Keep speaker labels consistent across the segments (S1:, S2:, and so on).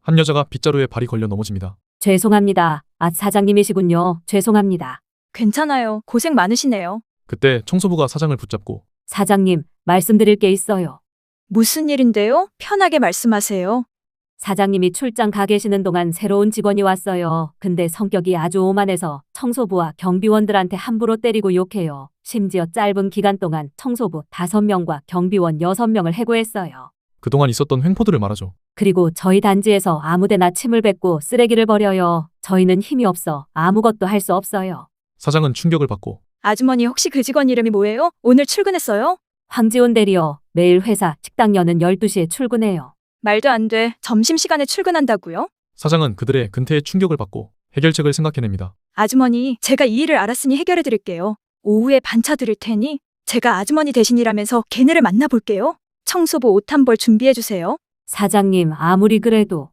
S1: 한 여자가 빗자루에 발이 걸려 넘어집니다.
S2: 죄송합니다. 아, 사장님이시군요. 죄송합니다.
S3: 괜찮아요. 고생 많으시네요.
S1: 그때 청소부가 사장을 붙잡고
S2: 사장님, 말씀드릴 게 있어요.
S3: 무슨 일인데요? 편하게 말씀하세요.
S2: 사장님이 출장 가 계시는 동안 새로운 직원이 왔어요. 근데 성격이 아주 오만해서 청소부와 경비원들한테 함부로 때리고 욕해요. 심지어 짧은 기간 동안 청소부 5명과 경비원 6명을 해고했어요.
S1: 그동안 있었던 횡포들을 말하죠.
S2: 그리고 저희 단지에서 아무데나 침을 뱉고 쓰레기를 버려요. 저희는 힘이 없어 아무것도 할 수 없어요.
S1: 사장은 충격을 받고
S3: 아주머니 혹시 그 직원 이름이 뭐예요? 오늘 출근했어요?
S2: 황지훈 대리요. 매일 회사 식당 여는 12시에 출근해요.
S3: 말도 안 돼. 점심시간에 출근한다고요?
S1: 사장은 그들의 근태에 충격을 받고 해결책을 생각해냅니다.
S3: 아주머니, 제가 이 일을 알았으니 해결해 드릴게요. 오후에 반차 드릴 테니 제가 아주머니 대신이라면서 걔네를 만나볼게요. 청소부 옷 한 벌 준비해 주세요.
S2: 사장님, 아무리 그래도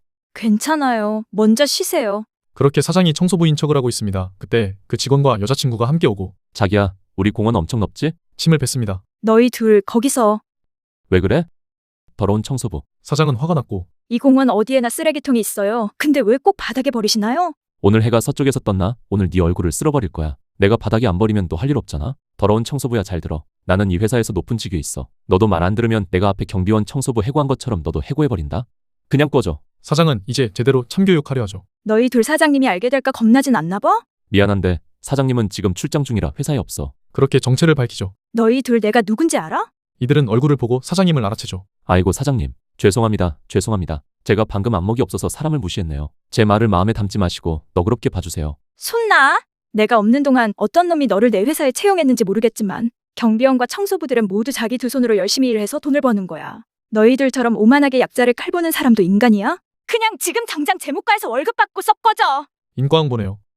S3: 괜찮아요. 먼저 쉬세요.
S1: 그렇게 사장이 청소부인 척을 하고 있습니다. 그때 그 직원과 여자친구가 함께 오고
S4: 자기야, 우리 공원 엄청 넓지?
S1: 침을 뱉습니다.
S3: 너희 둘 거기서.
S4: 왜 그래? 더러운 청소부.
S1: 사장은 화가 났고
S3: 이 공원 어디에나 쓰레기통이 있어요. 근데 왜 꼭 바닥에 버리시나요?
S4: 오늘 해가 서쪽에서 떴나? 오늘 네 얼굴을 쓸어버릴 거야. 내가 바닥에 안 버리면 너 할 일 없잖아. 더러운 청소부야, 잘 들어. 나는 이 회사에서 높은 직위에 있어. 너도 말 안 들으면 내가 앞에 경비원 청소부 해고한 것처럼 너도 해고해버린다. 그냥 꺼져.
S1: 사장은 이제 제대로 참교육하려 하죠.
S3: 너희 둘 사장님이 알게 될까 겁나진 않나 봐?
S4: 미안한데 사장님은 지금 출장 중이라 회사에 없어.
S1: 그렇게 정체를 밝히죠.
S3: 너희 둘 내가 누군지 알아?
S1: 이들은 얼굴을 보고 사장님을 알아채죠.
S4: 아이고 사장님, 죄송합니다. 죄송합니다. 제가 방금 안목이 없어서 사람을 무시했네요. 제 말을 마음에 담지 마시고 너그럽게 봐주세요.
S3: 손나! 내가 없는 동안 어떤 놈이 너를 내 회사에 채용했는지 모르겠지만 경비원과 청소부들은 모두 자기 두 손으로 열심히 일해서 돈을 버는 거야. 너희들처럼 오만하게 약자를 칼보는 사람도 인간이야? 그냥 지금 당장 제목과에서 월급 받고 썩 꺼져!
S1: 인과응보네요.